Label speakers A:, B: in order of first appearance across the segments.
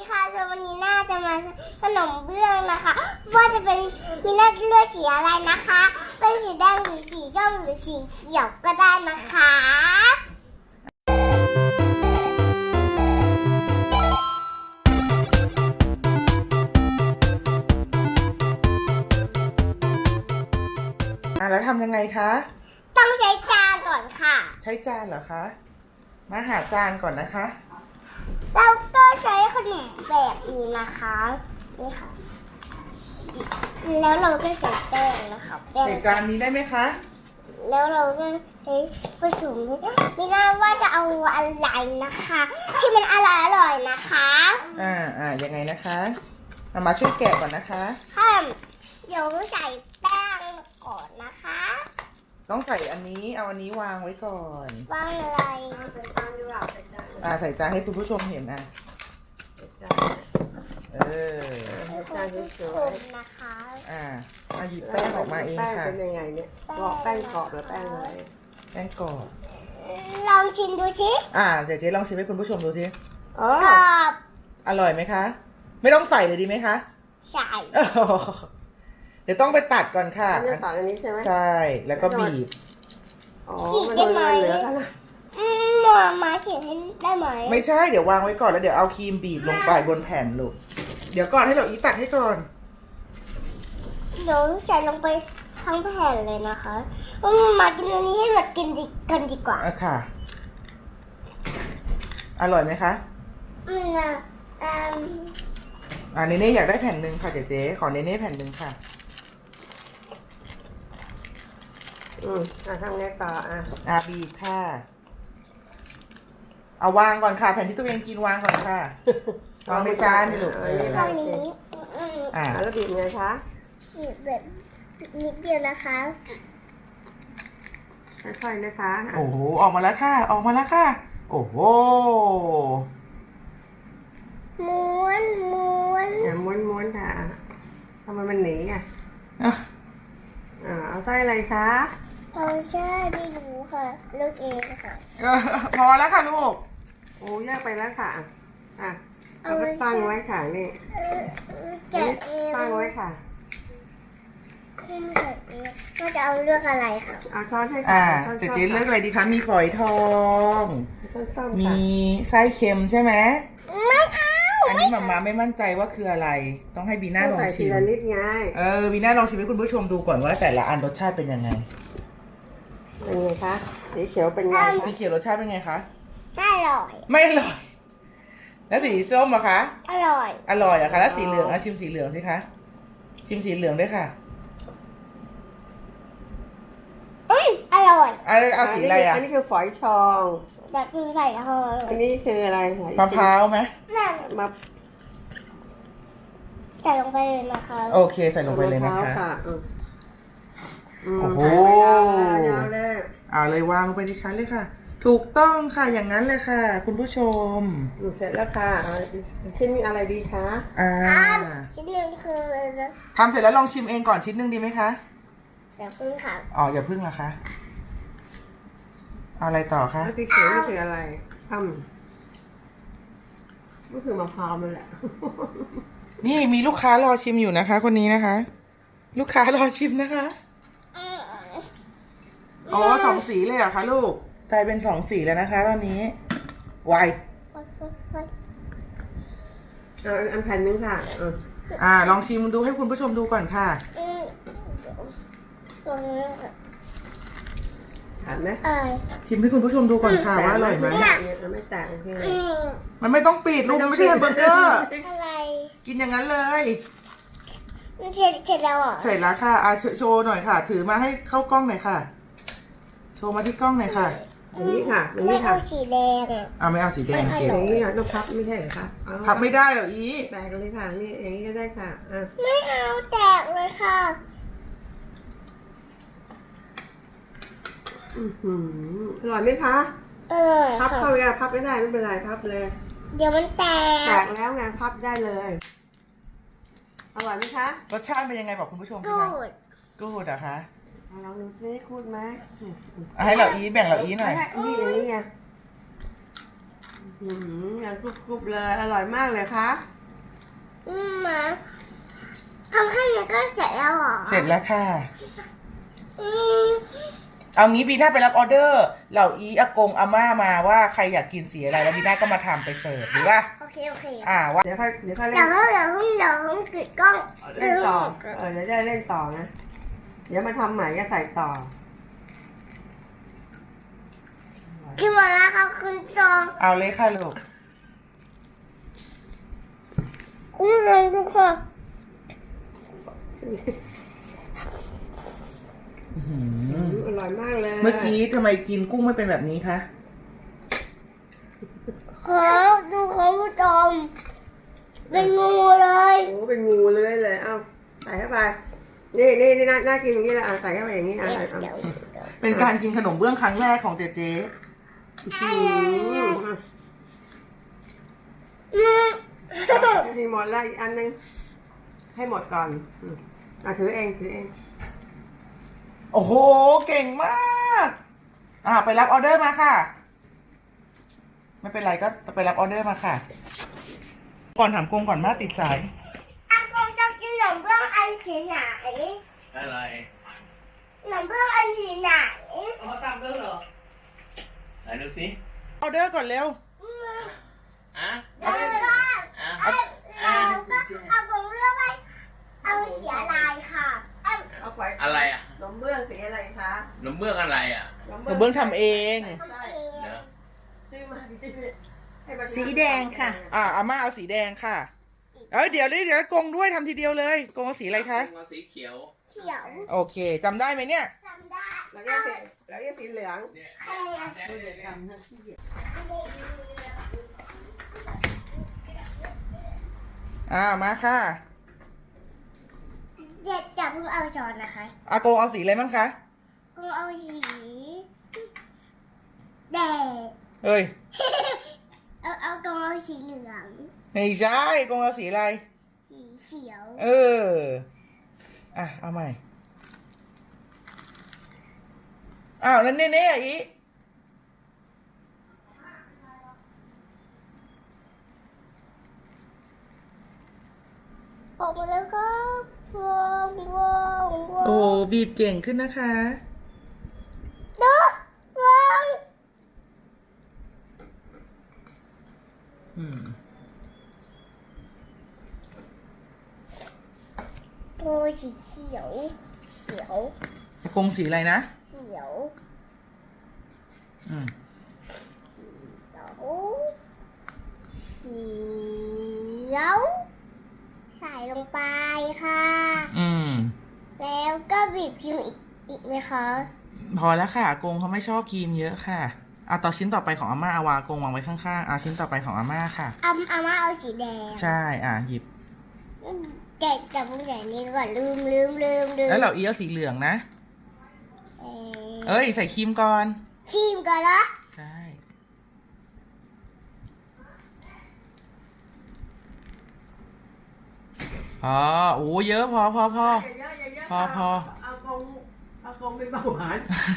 A: ดีค่ะวันนี้น่าจะมาขนมเบื้องนะคะว่าจะเป็นมีน่าเลือกสีอะไรนะคะเป็นสีแดงหรือสีส้มหรือสีเขียวก็ได้นะคะ
B: แล้วทำยังไงคะ
A: ต้องใช้จานก่อนค่ะ
B: ใช้จานเหรอคะมาหาจานก่อนนะคะ
A: แล้วก็ใช้ขนมแบบนี้นะคะนี่ค่ะแล้วเราก็ใส่แป้งนะคะแป้ง
B: ใส่จานนี้ได้ไหมคะ
A: แล้วเราก็ใช้ผสมไม่น่าว่าจะเอาอะไรนะคะที่มันอร่อยนะคะ
B: ยังไงนะคะมาช่วยแกะก่อนนะคะ
A: เดี๋ยวใส่แป้งก่อนนะคะ
B: ต้องใส่อันนี้เอาอันนี้วางไว้ก่อน
A: วางอะไร
B: ใส่จานให้คุณผู้ชมเห็น
A: จานสวยๆนะคะ
B: หยิบแป้งออกมาเองค่ะ
C: แป้งเป็นยังไงเนี่ยแป้งกรอบหรือแป้งอะไร
B: แป้งกรอบ
A: ลองชิมดูสิ
B: เดี๋ยวเจ๊ลองชิมให้คุณผู้ชมดูสิ
A: กรอบ
B: อร่อยไหมคะไม่ต้องใส่เลยดีไหมคะ
A: ใส่
B: เดี๋ยวต้องไปตัดก่อนค่ะ
C: ตัดอันนี้ใช่ไหม
B: ใช่แล้วก็บีบ
C: มันได้ไหมเหลือกัน
A: มาเขียนให้ได้ไหม
B: ไม่ใช่เดี๋ยววางไว้ก่อนแล้วเดี๋ยวเอาครีมบีบลงไปบนแผ่นลูกเดี๋ยวก่อนให้เราอีตัดให้ก่อน
A: เดี๋ยวใส่ลงไปทั้งแผ่นเลยนะคะมากินอันนี้ให้หมดกินกันดีกว่า
B: ค่ะอร่อยไหมคะเนเน่อยากได้แผ่นหนึ่งค่ะเจ๊ขอเนเน่แผ่นหนึ่งค่ะ
C: ทำไงต่อ
B: บีบค่ะเอาวางก่อนค่ะแผ่นที่ตัวเองกินวางก่อนค่ะวางในจานนี่ลูก
A: วางนี้
C: แล้วบีบไงคะ
A: บีบแบบนิดเดียวนะคะ
C: ค่อยๆนะคะ
B: โอ้โหออกมาแล้วค่ะออกมาแล้วค่ะโอ้โห
A: ม้วน
C: ม้วนค่ะทำไมมันหนีเอาไส้อะไรคะ
A: เอาใช่ไม่รู้ค่ะเลือกเองค่ะ
B: พอแล้วค่ะลูก
C: โอ้แยกไปแล้วค่ะเอาไปตั้งไว้ค่ะนี่ตั้งไว้ค่ะ
A: ก็จะเอาเลือกอะไรค่ะ
C: เอาช้อนให้ค่ะ
B: เจ๊เลือกอะไรดีคะมีฝอยทองมีไส้เค็มใช่ไหม
A: ไม่เอา
B: อันนี้มาไม่มั่นใจว่าคืออะไรต้องให้บีน่าลองชิม
C: นิดไง
B: บีน่าลองชิมให้คุณผู้ชมดูก่อนว่าแต่ละอันรสชาติเป็นยังไง
C: เป็นไงคะสีเขียวเป็นไง
B: สีเขียวรสชาติเป็นไงคะ
A: ไม่อร่อย
B: ไม่อร่อยแล้วสีส้มอะคะ
A: อร่อย
B: อะคะแล้วสีเหลืองชิมสีเหลืองสิคะชิมสีเหลืองด้วยค่ะ
A: อร่อย
B: เอาสีอะไร
C: อันนี้คือฝอยทอง
A: อยากกินใส่ทอง
C: อันนี้คืออะไร
B: มะพร้าวไหม
A: ใส่ลงไปเลยนะคะ
B: โอเคใส่ลงไปเลยนะคะโอ้โหเอาเลยวางลงไปดิฉันเลยค่ะถูกต้องค่ะอย่างนั้นเลยค่ะคุณผู้ชม
C: เสร็จแล้วค่ะชิ้นมีอะไรดีคะ
A: ชิ้นหนึ่งคือ
B: ทำเสร็จแล้วลองชิมเองก่อนชิ้นหนึ่งดีไหมคะ
A: อย่าพึ่งค่ะ
B: อย่าพึ่งนะคะเอาอะไรต่อคะ
C: สีเขียวนี่คืออะไรก็คือมะพร้าวนั่นแหละ
B: นี่มีลูกค้ารอชิมอยู่นะคะคนนี้นะคะลูกค้ารอชิมนะคะสองสีเลยเหรอคะลูกกลายเป็นสองสีแล้วนะคะตอนนี้ไว
C: อันแผ่นนึงค่ะ
B: ลองชิมดูให้คุณผู้ชมดูก่อนค่ะ
C: ผ่านไหม
B: ชิมให้คุณผู้ชมดูก่อนค่ะว่าอร่อยไหม
C: ไม่แตกโอเค
B: มันไม่ต้องปิดลูกไม่ใช่แฮมเบอร์เกอร์
A: อะไร
B: กินอย่างนั้นเลย
A: เสร็จแล้ว
B: เสร็จแล้วค่ะโชว์หน่อยค่ะถือมาให้เข้ากล้องหน่อยค่ะโชว์มาที่กล้องหน่อยค่ะ
C: อย่างนี้ค่ะ
A: ไม่เอาสีแดง
B: ไม่เอาสีแดงเก็บ
C: อย่างนี้ต้องพับไม่ใช่เหรอคะ
B: พับไม่ได้หรอ
C: แตกเลยค่ะนี่อย่างนี้ก็ได้ค่ะ
A: ไม่เอาแตกเลยค่ะ
C: อร่อยไหมคะพับเข้าไปพับไม่ได้ไม่เป็นไรพับเลย
A: เดี๋ยวมันแต
C: กแล้วไงพับได้เลยอร่อยไหมคะ
B: รสชาติเป็นยังไงบอกคุณผู้ชมสิคะกูดอะคะ
C: ลองดูซิคูดไหม
B: ให้เราแบ่งเราหน่อย
C: นี่อย่างนี้ไงยังกรุบๆเลยอร่อยมากเลยคะ
A: มาทำแค่นี้ก็เสร็จแล้วเหรอ
B: เสร็จแล้วค่ะ
A: อืม
B: เอางี้บีน่าไปรับออเดอร์เหล่าอีอากงอาม่ามาว่าใครอยากกินสีอะไรแล้วบีน่าก็มาทำไปเสิร์ฟดีป่ะ
A: โอเคโอเค
B: ว่า
C: เดี๋ยวค่อยเล่
A: เดี๋ยวน เดี๋ยวกดกล้อง
C: เล่นต่อเดี๋ยวได้เล่นต่อนะเดี๋ยวมาทำใหม่ก็ใส่ต่อ
A: กินหมดแล้วค่ะคุณจอง
B: เอาเลยค่ะลูก
A: คุณจองทุกคน
C: อร่อยมากเลย
B: เมื่อกี้ทำไมกินกุ้งไม่เป็นแบบนี้คะ
A: ครับดูเขาคุณจองเป็นงูเลย
C: โอ้เป็นงูเลยเอาใส่เข้าไปนี่น่ากินอย่างนี้แหละใส่เข้าไปอย่างนี้เอา
A: เดี๋ยว
B: เป็นการกินขนมเบื้องครั้งแรกของเจเจ
C: มีหมดแล้วอีกอันนึงให้หมดก่อนถือเอง
B: โอ้โห เก่งมาก ไปรับออเดอร์มาค่ะ ไม่เป็นไรก็ไปรับออเดอร์มาค่ะ ก่อนถามกงก่อนมาติดสาย
A: อากงจะกินขนมเบื้องอันสีไหน
D: อะไร
A: ขนมเบื้องอันสีไหน
D: เอามาทำแล้วเหรอ ไหนดูสิ
B: ออเดอร์ก่อนเร็ว
D: อ่ะ
A: แล้วก็
D: อ่ะ
A: แล้วก็อากงเลือกไปเอาสีอะไรค่ะ
C: เอาไป
D: อะไรอ่ะ
C: นมเบื้องสีอะไรคะ
D: นมเบื้องอะไรอ่ะ
B: หนูเบื้องทำเอง
D: เนอะ
C: ซื้อมา
E: สีแดงค่ะ
B: อาม่าเอาสีแดงค่ะ เดี๋ยวกงด้วยทำทีเดียวเลย กงเอาสีอะไรคะ
D: เอาสีเขียว
A: เขียว
B: โอเคจำได้ไหมเนี่ย
A: จำได้
C: แล้วก็สีเหลือง
D: เนี่ย
A: ใครอะ
C: ทำหน้าที่
B: มาค่ะ
A: เด็กจะเพิ่งเอาช้อนนะคะ
B: อากงเอาสีอะไรบ้างคะ
A: กงเอาสีแดง
B: เฮ้ย
A: เอากงเอาสีเหลือง
B: ไม่ใช่กงเอาสีอะไร
A: สีเขียว
B: เอาใหม่ แล้วเน่ๆอี
A: ออกมาแล้วครับว้าวว้าวว้าว
B: โอ้บีบเก่งขึ้นนะคะ
A: ดูว้าว โอ้ยสีเขียว เขียว
B: กงสีอะไรนะ
A: เขียว
B: อืม
A: เขียว เขียว ใส่ลงไปค่ะ แล้วก็บีบพิมพ์อีกไหมคะ
B: พอแล้วค่ะอากงเขาไม่ชอบครีมเยอะค่ะต่อชิ้นต่อไปของอาม่าเอาวางอากงวางไว้ข้างๆชิ้นต่อไปของอาม่าค่ะ
A: อาม่าเอาสีแดง
B: ใช่หยิบ
A: แกะจับมือไหนนี้ก่อนลืม
B: แล้วเราอีเอาสีเหลืองนะ ใส่ครีมก่อน
A: ครีมก่อนเหรอ
B: ใช่โอ้เยอะพอ
C: พอ เอากงเป็นเบาหวาน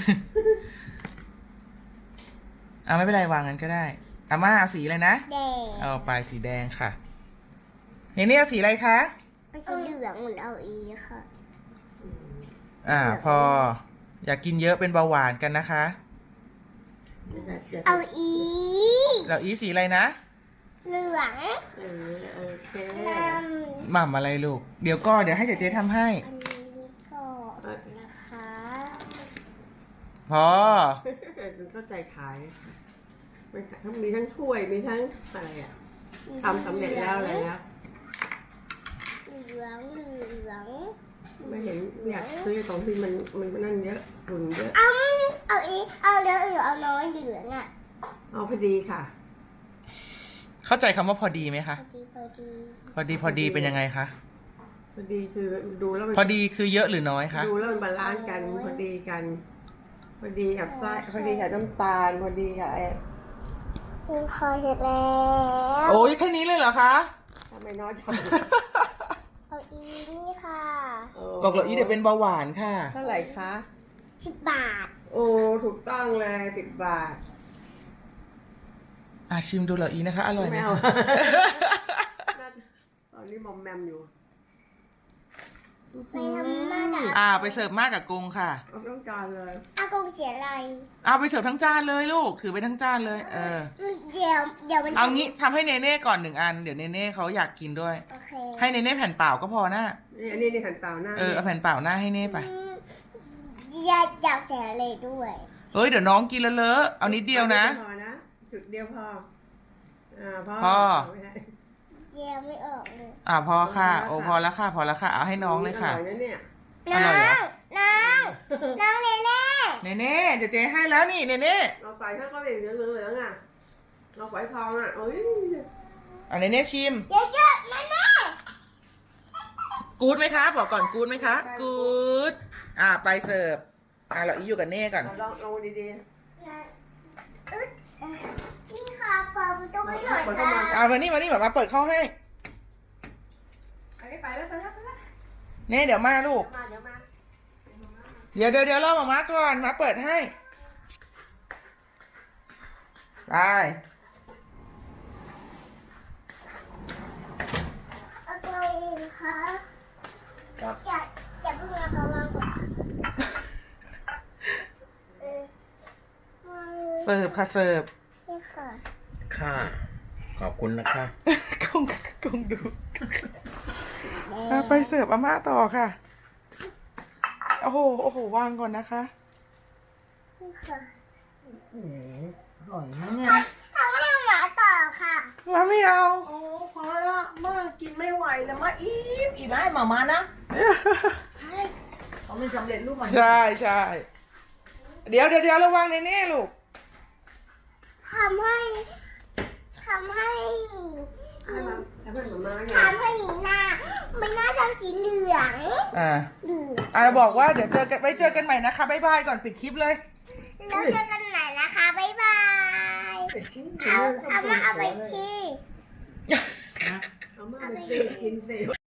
B: ไม่เป็นไรวางงั้นก็ได้อาม่าเอาสีอะไรนะ
A: แดง
B: เอาไปสีแดงค่ะนี่เอาสีอะไรคะ
A: เอาสีเหลืองเหมือนเอาอีค่ะ
B: พอ อยากกินเยอะเป็นเบาหวานกันนะคะ
A: เอาอี
B: เราอีสีอะไรนะ
A: เหลือง
C: โอเค
A: น้ำ
B: หม่ำอะไรลูกเดี๋ยวให้เจ๊ทำให้
A: อันนี้ก่อนนะคะ
B: พอ
C: มันก็ใจขายมันทั้งมีทั้งถ้วยมีทั้งอะไรทำสำเร็จแล้วอะไรแล้ว
A: เหลือง
C: ไม่เห็นอยากซื้อของที่มันนั่นเยอะฝุ่นเยอะ
A: เอาอีเอาเหลืองหรือเอาน้อยเหลืองอ่ะ
C: เอาพอดีค่ะ
B: เข้าใจคำว่าพอดีไหมคะ
A: พอดี
B: พอดีเป็นยังไงคะ
C: พอดีคือดูแล้วมัน
B: พอดีคือเยอะหรือน้อยคะ
C: ดูแล้วมันบาลานซ์กันพอดีกัน พอดีกับไส้พอดีกับน้ำตาล พอดีกับ
A: คุณคอเสร็จแล้ว
B: โอ้ยแค่นี้เลยเหรอคะ
C: ทำไมน้อยจัง
A: เอาอีนี่ค่ะ
B: บอกเราอีเดี๋ยวเป็นเบาหวานค่ะ
C: เท่าไหร่คะ
A: 10 บาท
C: โอ้ถูกต้องเลย10 บาท
B: ชิมดูเหรออีนะคะ อร่อยไหม
C: ไม่เอา
B: คะ
C: ตอนนี้มอมแมมอยู่
A: ไปทำมากับ
B: ไปเสิร์ฟมากกับกงค่ะ
C: เอาต้องการเลย
A: อากงเสียอะไร
B: ไปเสิร์ฟทั้งจานเลยลูก ถือไปทั้งจานเลย
A: เดี๋ยวมัน
B: เอางี้ทำให้เนเน่ก่อน1 อัน เดี๋ยวเนเน่เขาอยากกินด้วย
A: โอเค
B: ให้เนเน่แผ่นเปล่าก็พอนะ
C: นี่อันนี้ในขันเปล่าหน้า
B: เอาแผ่นเปล่าหน้าให้เน่ไป
A: อยากเสียอะไรด้วย
B: เฮ้ยเดี๋ยวน้องกินแล้วเลอะเอานิดเดียวนะ
C: พอนะจุดเดียวพอพอ
B: พอ
C: ไม่ให้
A: เดี๋ยวไม่ออกเลย
B: พอค่ะ โอ้พอแล้วค่ะ พอแล้วค่ะ เอาให้น้องเลยค่ะ
C: อร่อยนะเนี่ย
B: อร่อยเหรอ
A: น้องเนเน่
B: เนเน่เจ๊ให้แล้วนี่เนเน่
C: เราใส่ข้าวก็เหลืองเหลืองอ่ะเราฝอยทองอ่ะเอ้ย
B: เนเน่ชิม
A: เดี๋ยวจะเนเน่
B: กู๊ดไหมคะบอกก่อนกู๊ดไหมคะกู๊ดไปเสิร์ฟเราอีอยู่กับเน่ก่อน
C: เราลองดี
A: นี่ค่ะเปิดประตูให้หน่อยค่ะ
B: มานี่มาเปิดเข้าให้
C: ๆไปแล้ว
B: เน่เดี๋ยวมาลูก
C: มาเดี๋ยวมา
B: เดี๋ยวรอมาก่อนมาเปิดให้ไป
A: อากงคะอย่าเพิ่งนะคะวางก่อน
B: เสิร์ฟค่ะเสิร์ฟ
A: นี่ค่ะ
D: ค่ะ ขอบคุณนะคะ
B: กงดูไปเสิร์ฟอาม่าต่อค่ะโอ้โหวางก่อนนะคะ
A: นี่ค่ะ
E: อร่อยนะเนี่ย
A: ทำให้หมาต่อค่ะ
B: มาไม่เอา
E: โอ้พอละมากินไม่ไหวแล้วมาอิ่มให้หมานะให้เขาไม่สำเร็จรูปมา
B: ใช่เดี๋ยวระวังเน่ลูก
A: ทำให้
C: ให้มาหมาไง
A: ทำให้หน้ามันหน้าทำสีเหลืองเหลือง
B: บอกว่าเดี๋ยวไว้เจอกันใหม่นะคะบ๊ายบายก่อนปิดคลิปเลย
A: แล้วเจอกันใหม่นะคะ บ๊ายบายเอามาเอาไปที่
C: เอามาไปสิกินสิ